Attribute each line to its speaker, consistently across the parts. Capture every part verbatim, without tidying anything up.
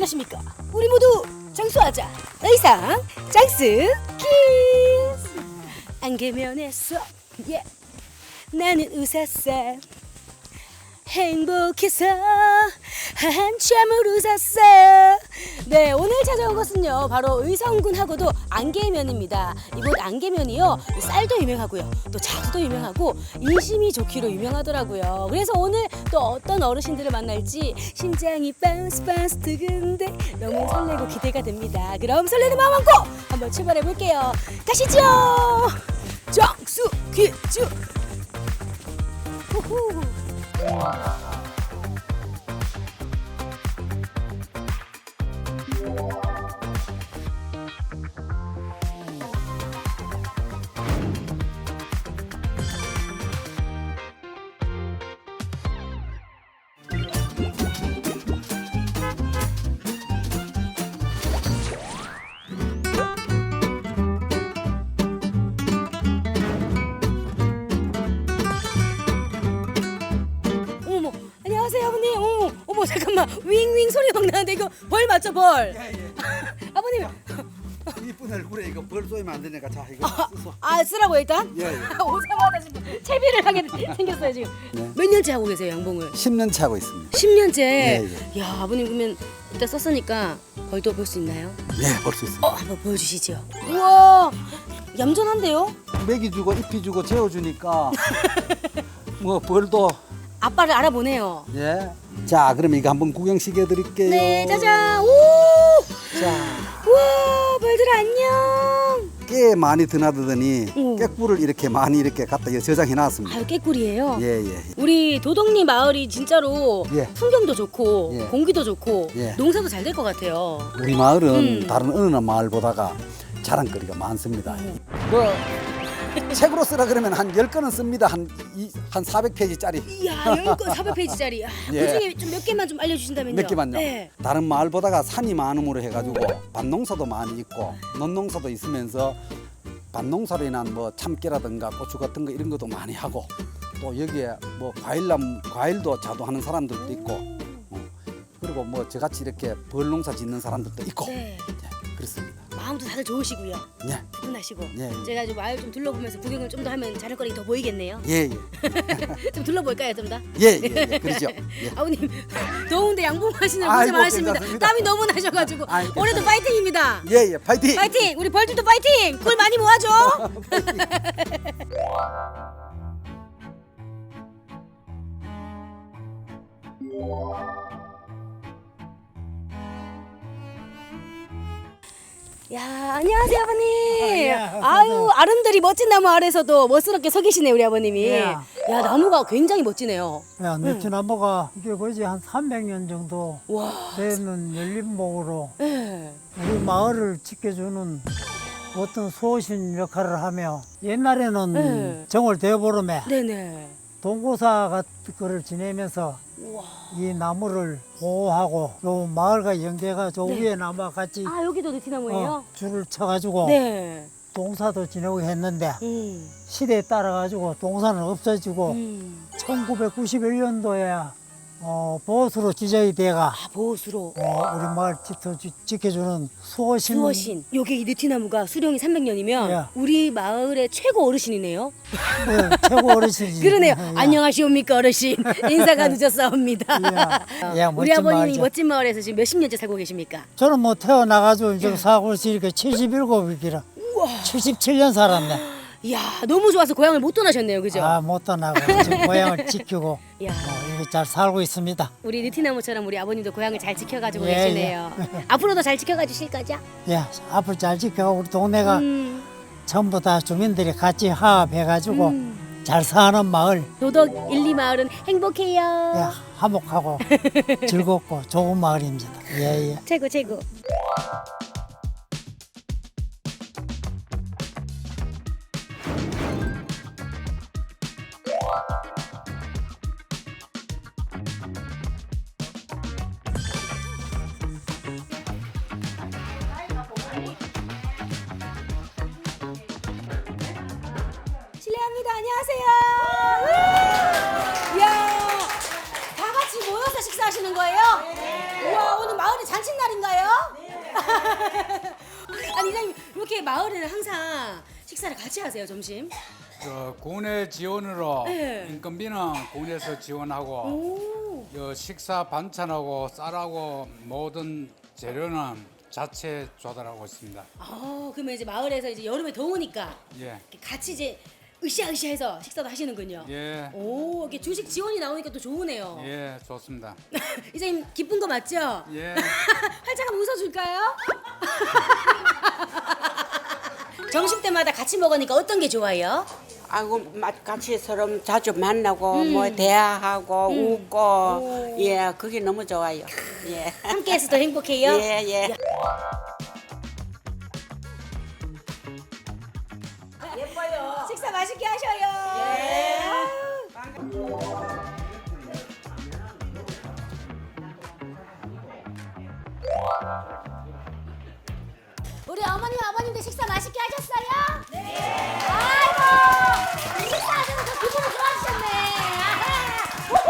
Speaker 1: 어떠십니까? 우리 모두 장수하자. 의상 장수 키스. 안개면에서 예. 나는 웃었어. 행복해서 한참을 웃었어. 네, 오늘 찾아온 것은요 바로 의성군하고도 안개면입니다. 이곳 안개면이요 쌀도 유명하고요, 또 자두도 유명하고 인심이 좋기로 유명하더라고요. 그래서 오늘 또 어떤 어르신들을 만날지 심장이 바운스 바운스 두근데 너무 설레고 기대가 됩니다. 그럼 설레는 마음 안고 한번 출발해 볼게요. 가시죠. 장수 퀴즈. 후후. 어머, 안녕하세요 아버님. 어머, 어머 잠깐만, 윙윙 소리 막 나는데 이거 벌 맞죠, 벌?
Speaker 2: 예, 예.
Speaker 1: 아버님.
Speaker 2: 이쁜 얼굴에 이거 벌 쏘이면 안 되니까 자 이거 쓰소.
Speaker 1: 아, 쓰라고 일단?
Speaker 2: 예, 예.
Speaker 1: 오자마자 지금 채비를 하게 생겼어요 지금.
Speaker 2: 네.
Speaker 1: 몇 년째 하고 계세요 양봉을?
Speaker 2: 십 년째 하고 있습니다.
Speaker 1: 십 년째.
Speaker 2: 예,
Speaker 1: 야, 아버님 그러면 이따 썼으니까 벌도 볼 수 있나요?
Speaker 2: 예, 볼 수 있습니다.
Speaker 1: 어, 한번 보여주시죠. 우와, 얌전한데요?
Speaker 2: 먹이 주고 잎이 주고 재워 주니까 뭐 벌도
Speaker 1: 아빠를 알아보네요.
Speaker 2: 예. 자, 그럼 이거 한번 구경시켜 드릴게요.
Speaker 1: 네, 짜잔. 오,
Speaker 2: 자,
Speaker 1: 우와, 벌들 안녕.
Speaker 2: 깨 많이 드나드더니
Speaker 1: 오.
Speaker 2: 깨꿀을 이렇게 많이 이렇게 갖다 저장해 놨습니다.
Speaker 1: 아유, 깨꿀이에요.
Speaker 2: 예, 예.
Speaker 1: 우리 도덕리 마을이 진짜로
Speaker 2: 예.
Speaker 1: 풍경도 좋고
Speaker 2: 예.
Speaker 1: 공기도 좋고
Speaker 2: 예.
Speaker 1: 농사도 잘 될 것 같아요.
Speaker 2: 우리 마을은
Speaker 1: 음.
Speaker 2: 다른 어느 마을보다가 자랑거리가 많습니다. 뭐 책으로 쓰라 그러면 한 열 권은 씁니다. 한, 이, 한 사백 페이지짜리.
Speaker 1: 이야, 열 건 사백 페이지짜리. 아,
Speaker 2: 예.
Speaker 1: 그중에 좀 몇 개만 좀 알려주신다면요.
Speaker 2: 몇 개만요.
Speaker 1: 네.
Speaker 2: 다른 마을보다가 산이 많음으로 해가지고 밭농사도 많이 있고 논농사도 있으면서 밭농사로 인한 뭐 참깨라든가 고추 같은 거 이런 것도 많이 하고 또 여기에 뭐 과일남 과일도 자두하는 사람들도 있고 어, 그리고 뭐 저같이 이렇게 벌농사 짓는 사람들도 있고
Speaker 1: 네.
Speaker 2: 예, 그렇습니다.
Speaker 1: 마음도 다들 좋으시고요.
Speaker 2: 예,
Speaker 1: 푸근하시고.
Speaker 2: 예.
Speaker 1: 제가 좀 마을 좀 둘러보면서 구경을 좀 더 하면 자랑거리 더 보이겠네요.
Speaker 2: 예, 예,
Speaker 1: 좀 둘러볼까요, 좀 더?
Speaker 2: 예, 예, 예, 그러죠. 예.
Speaker 1: 아버님 더운데 양봉하시는
Speaker 2: 아이고,
Speaker 1: 고생 많으십니다.
Speaker 2: 괜찮습니다.
Speaker 1: 땀이 너무 나셔가지고
Speaker 2: 아이고,
Speaker 1: 올해도 파이팅입니다.
Speaker 2: 예, 예, 파이팅!
Speaker 1: 파이팅! 우리 벌들도 파이팅! 꿀 많이 모아줘. 야, 안녕하세요 아버님.
Speaker 3: 예,
Speaker 1: 아유, 아름드리 멋진 나무 아래서도 멋스럽게 서 계시네 우리 아버님이.
Speaker 3: 예.
Speaker 1: 야, 나무가 굉장히 멋지네요.
Speaker 3: 야, 느티나무가 이게 거의 한 삼백 년 정도
Speaker 1: 와.
Speaker 3: 되는 열린목으로
Speaker 1: 네.
Speaker 3: 우리 마을을 지켜주는 어떤 수호신 역할을 하며 옛날에는
Speaker 1: 네.
Speaker 3: 정월 대보름에
Speaker 1: 네네.
Speaker 3: 동고사 같은 거를 지내면서
Speaker 1: 우와.
Speaker 3: 이 나무를 보호하고 요 마을과 연계가 저
Speaker 1: 네.
Speaker 3: 위에 나무와 같이
Speaker 1: 아, 여기도 느티나무예요?
Speaker 3: 어, 줄을 쳐가지고
Speaker 1: 네.
Speaker 3: 동사도 지내고 했는데
Speaker 1: 음.
Speaker 3: 시대에 따라 가지고 동사는 없어지고
Speaker 1: 음.
Speaker 3: 천구백구십일 년도에 어, 보수로 지정이 돼가
Speaker 1: 아, 보호수로.
Speaker 3: 어, 우리 마을 지켜, 지켜주는 수호신.
Speaker 1: 수호신. 여기 이 느티나무가 수령이 삼백 년이면
Speaker 3: 예.
Speaker 1: 우리 마을의 최고 어르신이네요.
Speaker 3: 네, 최고 어르신이지.
Speaker 1: 그러네요.
Speaker 3: 예.
Speaker 1: 안녕하시옵니까 어르신. 인사가 늦었사옵니다.
Speaker 3: 예. 예,
Speaker 1: 우리
Speaker 3: 멋진
Speaker 1: 아버님이
Speaker 3: 마을이죠.
Speaker 1: 멋진 마을에서 지금 몇십 년째 살고 계십니까?
Speaker 3: 저는 뭐 태어나가지고 이제 사고 있으니까 칠십칠이라 칠십칠 년 살았네.
Speaker 1: 이야, 너무 좋아서 고향을 못 떠나셨네요, 그죠?
Speaker 3: 아, 못 떠나고 지금 고향을 지키고
Speaker 1: 이야,
Speaker 3: 어, 이렇게 잘 살고 있습니다.
Speaker 1: 우리 느티나무처럼 우리 아버님도 고향을 잘 지켜가지고
Speaker 3: 예,
Speaker 1: 계시네요. 앞으로도 잘 지켜가 주실 거죠?
Speaker 3: 예, 앞으로 잘 지켜고 우리 동네가
Speaker 1: 음,
Speaker 3: 전부 다 주민들이 같이 화합해가지고
Speaker 1: 음.
Speaker 3: 잘 사는 마을.
Speaker 1: 도덕 일, 이 마을은 행복해요.
Speaker 3: 예, 화목하고 즐겁고 좋은 마을입니다. 예, 예.
Speaker 1: 최고 최고. 실례합니다. 안녕하세요. 이야, 다 같이 모여서 식사하시는 거예요? 우와, 오늘 마을에 잔칫날인가요? 아니 이장님 이렇게 마을에는 항상 식사를 같이 하세요 점심?
Speaker 4: 저 군의 지원으로
Speaker 1: 네.
Speaker 4: 인건비는 군에서 지원하고
Speaker 1: 오.
Speaker 4: 요 식사 반찬하고 쌀하고 모든 재료는 자체 조달하고 있습니다.
Speaker 1: 아 그러면 이제 마을에서 이제 여름에 더우니까
Speaker 4: 예,
Speaker 1: 이렇게 같이 이제 으쌰으쌰해서 식사도 하시는군요.
Speaker 4: 예,
Speaker 1: 오 이렇게 주식 지원이 나오니까 또 좋으네요.
Speaker 4: 예, 좋습니다.
Speaker 1: 이장님 기쁜 거 맞죠?
Speaker 4: 예.
Speaker 1: 활짝 한번 웃어줄까요? 점심 때마다 같이 먹으니까 어떤 게 좋아요?
Speaker 5: 아이고 맛 같이 서로 자주 만나고 뭐 대화하고 웃고 예 그게 너무 좋아요. 예.
Speaker 1: 함께해서 더 행복해요?
Speaker 5: 예 예.
Speaker 1: 식사 맛있게 하셔요. 예. 우리 어머님 아버님들 식사 맛있게 하셨어요? 네. 아이고 식사하셔서 더 기분이 좋아지셨네. 아하.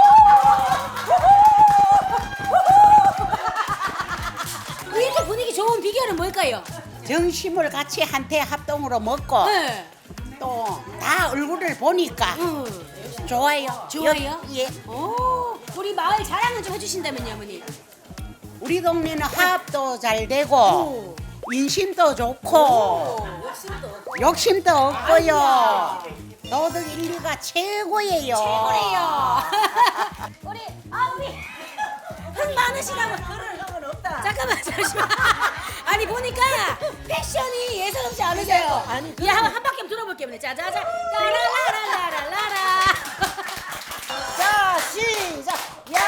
Speaker 1: 우후. 이렇게 분위기 좋은 비결은 뭘까요?
Speaker 5: 점심을 같이 한테 합동으로 먹고
Speaker 1: 네.
Speaker 5: 또 다 얼굴을 보니까
Speaker 1: 음.
Speaker 5: 좋아요.
Speaker 1: 좋아요?
Speaker 5: 예.
Speaker 1: 오, 우리 마을 자랑을 좀 해주신다면요, 어머니.
Speaker 5: 우리 동네는 화합도 잘 되고
Speaker 1: 오.
Speaker 5: 인심도 좋고
Speaker 1: 오, 욕심도 없고.
Speaker 5: 욕심도 없고요. 도덕 인류가 최고예요.
Speaker 1: 최고래요. 우리 아 우리 흥 많으시다고 그럴 형은 없다. 잠깐만 잠시만. 아니 보니까 패션이 예사롭지 않으세요. 아니 예, 한, 한 바퀴 한번 들어볼게요. 자자자 라라라라라라.
Speaker 5: 자 시작.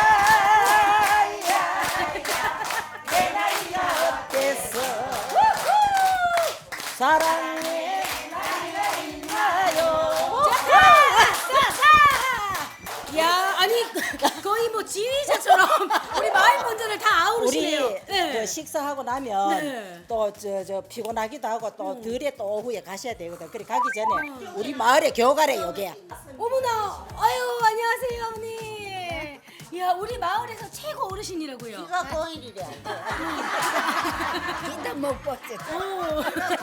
Speaker 5: 야야 내 나이가 어땠어 사랑해 나이가 있나요.
Speaker 1: 야 아니 거의 뭐 지휘자처럼 우리 마을 분들을 다 아우르시네요.
Speaker 6: 우리
Speaker 1: 네.
Speaker 6: 저 식사하고 나면
Speaker 1: 네.
Speaker 6: 또 저 저 피곤하기도 하고 또 들에 또 오후에 가셔야 되거든. 그래 가기 전에 우리 마을에 교가래 여기야.
Speaker 1: 어머나, 아유 안녕하세요 어머니. 야 우리 마을에서 최고 어르신이라고요.
Speaker 5: 이거 고일이래.
Speaker 6: 진짜 못 봤지.
Speaker 1: 오.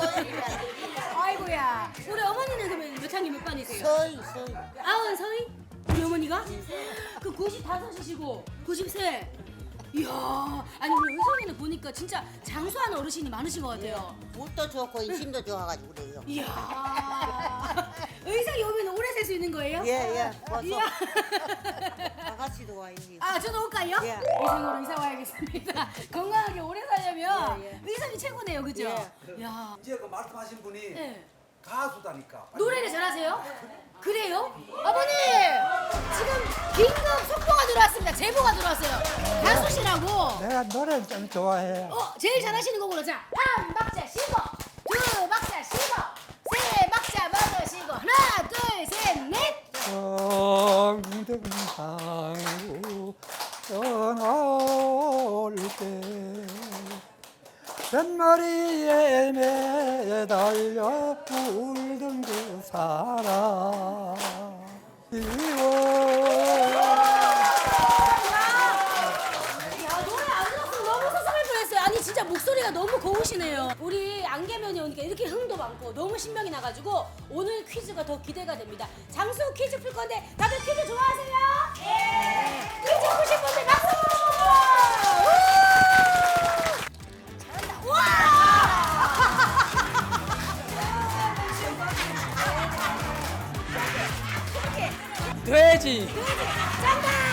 Speaker 1: 아이고야. 우리 어머니는 그러면 몇 학년 몇 반이세요?
Speaker 5: 서이 서이.
Speaker 1: 아흔 서희? 우리 어머니가? 그 구십다섯이시고 구십세. 이야, 아니 우리 의성이는 보니까 진짜 장수하는 어르신이 많으신 것 같아요.
Speaker 5: 옷도 좋고 인심도 좋아가지고 그래요.
Speaker 1: 이야, 의성이 오면 오래 살 수 있는 거예요?
Speaker 6: 예예.
Speaker 1: 이야.
Speaker 6: 아가씨도 와 여기.
Speaker 1: 아, 저도 올까요?
Speaker 6: 예.
Speaker 1: 의성으로 이사 와야겠습니다. 건강하게 오래 살려면
Speaker 6: 예, 예.
Speaker 1: 의성이 최고네요, 그죠?
Speaker 6: 예.
Speaker 1: 야,
Speaker 2: 이제 그 말씀하신 분이
Speaker 1: 네.
Speaker 2: 가수다니까.
Speaker 1: 노래를 잘하세요? 그래요? 아버님! 지금 긴급 속보가 들어왔습니다. 제보가 들어왔어요. 가수시라고.
Speaker 3: 내가 노래를 좀 좋아해.
Speaker 1: 어, 제일 잘하시는 곡으로 자, 한 박자 쉬고, 두 박자 쉬고, 세 박자 먹으시고, 하나, 둘, 셋, 넷.
Speaker 3: 정등상구 떠나올 때 뱃머리에 매달려 울던 그 사람 이워
Speaker 1: 야, 노래 안 들었으면 너무 서성할 뻔했어요. 아니 진짜 목소리가 너무 고우시네요. 우리 안개면이 오니까 이렇게 흥도 많고 너무 신명이 나가지고 오늘 퀴즈가 더 기대가 됩니다. 장수 퀴즈 풀 건데 다들 퀴즈 좋아하세요? 네. 퀴즈 푸실 분들 박수! 우! 잘한다. 와!
Speaker 7: 돼지
Speaker 1: 정답!